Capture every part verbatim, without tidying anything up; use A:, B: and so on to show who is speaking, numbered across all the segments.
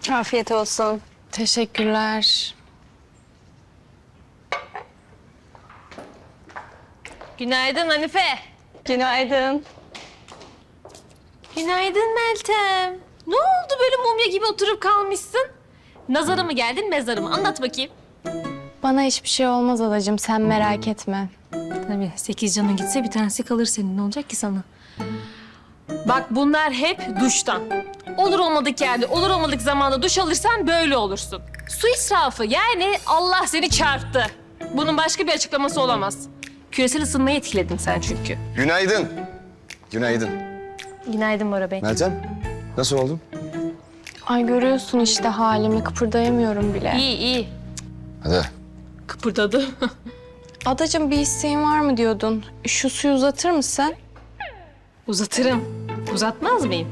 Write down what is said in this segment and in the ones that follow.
A: Afiyet olsun.
B: Teşekkürler.
C: Günaydın Hanife.
A: Günaydın.
C: Günaydın Meltem. Ne oldu böyle mumya gibi oturup kalmışsın? Nazara mı geldin, mezara mı? Anlat bakayım.
B: Bana hiçbir şey olmaz adacığım, sen merak etme.
C: Tabii sekiz canın gitse bir tanesi kalır senin. Ne olacak ki sana? Bak bunlar hep duştan. Olur olmadık yerde, olur olmadık zamanda duş alırsan böyle olursun. Su israfı yani Allah seni çarptı. Bunun başka bir açıklaması olamaz. Küresel ısınmayı etkiledin sen çünkü.
D: Günaydın. Günaydın.
C: Günaydın Bora Bey.
D: Meltem, nasıl oldun?
B: Ay görüyorsun işte halimi, kıpırdayamıyorum bile.
C: İyi iyi.
D: Hadi.
C: Kıpırdadı.
B: Adacığım bir isteğin var mı diyordun? Şu suyu uzatır mısın?
C: Uzatırım. Uzatmaz mıyım?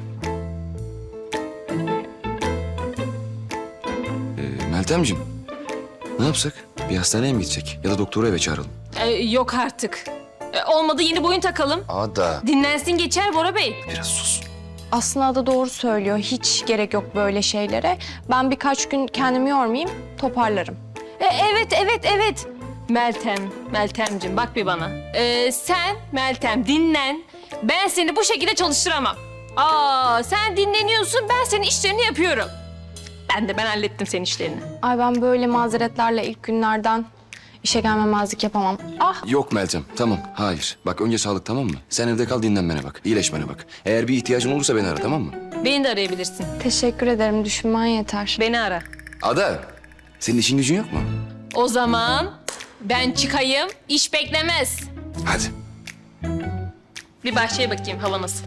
D: Ee, Meltemciğim, ne yapsak? Bir hastaneye mi gidecek? Ya da doktoru eve çağıralım.
C: Ee, yok artık. Ee, olmadı yeni boyun takalım.
D: Ada.
C: Dinlensin geçer Bora Bey.
D: Biraz sus.
B: Aslında Ada doğru söylüyor. Hiç gerek yok böyle şeylere. Ben birkaç gün kendimi yormayayım, toparlarım.
C: Ee, evet, evet, evet. Meltem, Meltemciğim bak bir bana. Ee, sen Meltem dinlen. Ben seni bu şekilde çalıştıramam. Aa, sen dinleniyorsun, ben senin işlerini yapıyorum. Ben de ben hallettim senin işlerini.
B: Ay ben böyle mazeretlerle ilk günlerden işe gelmemezlik yapamam. Ah
D: Yok Meltem, tamam. Hayır. Bak önce sağlık, tamam mı? Sen evde kal, dinlenmene bak. İyileşmene bak. Eğer bir ihtiyacın olursa beni ara, tamam mı?
C: Beni de arayabilirsin.
B: teşekkür ederim, düşünmen yeter.
C: Beni ara.
D: Ada, senin işin gücün yok mu?
C: O zaman ben çıkayım, iş beklemez.
D: Hadi.
C: Bir bahçeye bakayım hava nasıl.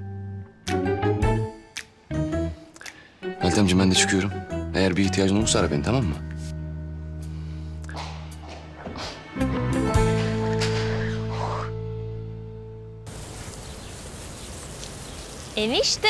D: Meltemciğim ben de çıkıyorum. Eğer bir ihtiyacın olursa ara beni, tamam mı?
C: Enişte.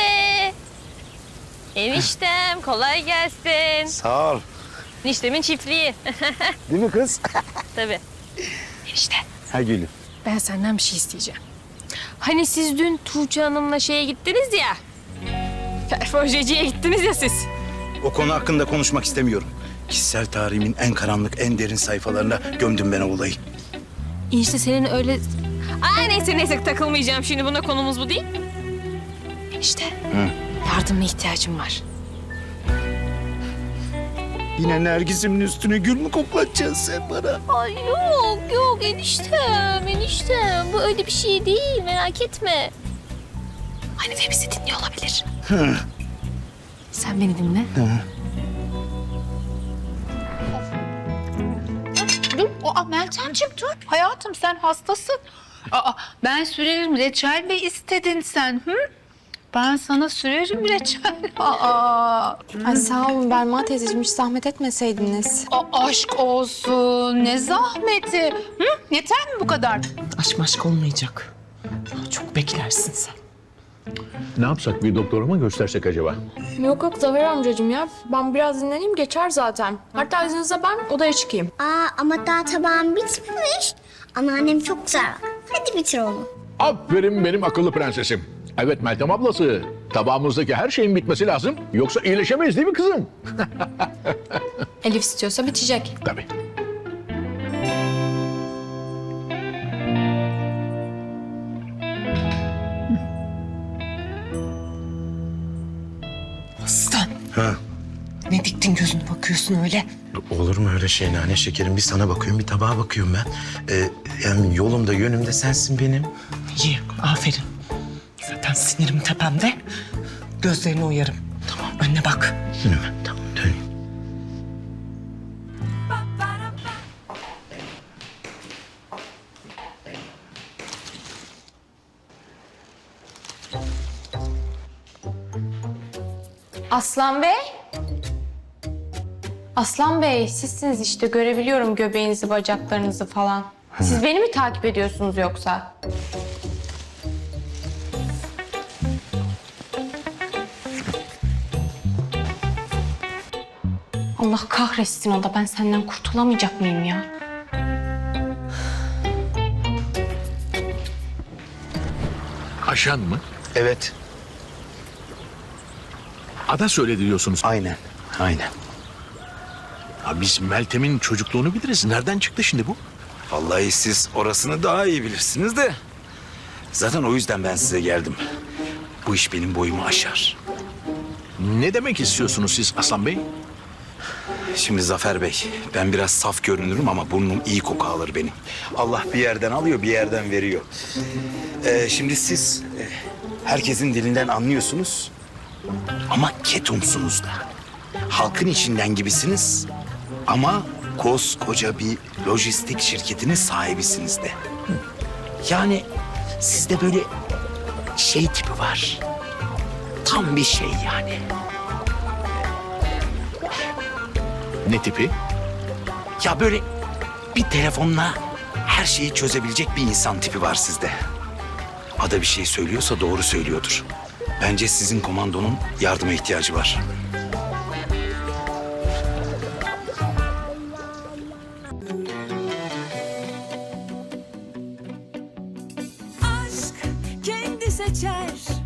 C: Eniştem kolay gelsin.
E: Sağ ol.
C: Eniştemin çiftliği.
E: Değil mi kız?
C: Tabii. Enişte
E: Ha gülüm.
C: ben senden bir şey isteyeceğim. Hani siz dün Tuğçe Hanım'la şeye gittiniz ya. Perforjeciye gittiniz ya siz.
E: O konu hakkında konuşmak istemiyorum. Kişisel tarihimin en karanlık, en derin sayfalarına gömdüm ben o olayı.
C: Enişte senin öyle... Aa neyse neyse takılmayacağım şimdi buna konumuz bu değil. Enişte yardımına ihtiyacım var.
E: Yine Nergis'imin üstüne gül mü koklatacaksın sen bana?
C: Ay yok yok eniştem eniştem bu öyle bir şey değil merak etme. Hanife bizi dinliyor olabilir. Sen beni dinle.
F: Dur, aa Meltemciğim dur. Hayatım sen hastasın. Aa, ben sürerim reçel mi istedin sen? Hı? Ben sana sürerim reçel. Aa,
B: Ay sağ olun Belma teyzeciğim, hiç zahmet etmeseydiniz.
F: a- aşk olsun. Ne zahmeti. Hı? Yeter mi bu kadar?
G: Aşk maşk olmayacak. Daha çok beklersin sen.
H: Ne yapsak, bir doktora mı göstersek acaba?
B: Yok yok Zafer amcacığım ya. Ben biraz dinleneyim, geçer zaten. Hatta izninizle ben odaya çıkayım.
I: Aa ama daha tabağım bitmemiş. Anneannem çok güzel bak. Hadi bitir onu.
H: Aferin benim akıllı prensesim. Evet Meltem ablası, tabağımızdaki her şeyin bitmesi lazım. Yoksa iyileşemeyiz değil mi kızım?
B: Elif istiyorsa bitecek.
H: Tabii.
G: Aslan.
E: Ha.
G: Ne diktin gözünü bakıyorsun öyle?
E: Olur mu öyle şey nane şekerim? Bir sana bakıyorum, bir tabağa bakıyorum ben. Ee, yani yolumda, yönümde sensin benim.
G: İyi, aferin. Zaten sinirim tepemde. Gözlerini uyarım. Tamam, önüne bak.
E: Önüme, tamam döneyim.
B: Aslan Bey. Aslan Bey, sizsiniz işte. Görebiliyorum göbeğinizi, bacaklarınızı falan. Siz beni mi takip ediyorsunuz yoksa? Allah kahretsin o da. Ben senden kurtulamayacak mıyım ya?
H: Aşan mı?
E: Evet,
H: Ada söyledi diyorsunuz.
E: aynen. Aynen.
H: Ha, biz Meltem'in çocukluğunu biliriz. Nereden çıktı şimdi bu?
E: Vallahi siz orasını daha iyi bilirsiniz de. Zaten o yüzden ben size geldim. Bu iş benim boyumu aşar.
H: Ne demek istiyorsunuz siz Aslan Bey?
E: Şimdi Zafer Bey, ben biraz saf görünürüm ama burnum iyi koku alır benim. Allah bir yerden alıyor, bir yerden veriyor. Ee, şimdi siz e, herkesin dilinden anlıyorsunuz ama ketumsunuz da. Halkın içinden gibisiniz ama koskoca bir lojistik şirketinin sahibisiniz de. Yani sizde böyle şey tipi var. Tam bir şey yani.
H: Ne tipi?
E: Ya böyle bir telefonla her şeyi çözebilecek bir insan tipi var sizde. Ada bir şey söylüyorsa doğru söylüyordur. Bence sizin komandonun yardıma ihtiyacı var.
J: aşk kendi seçer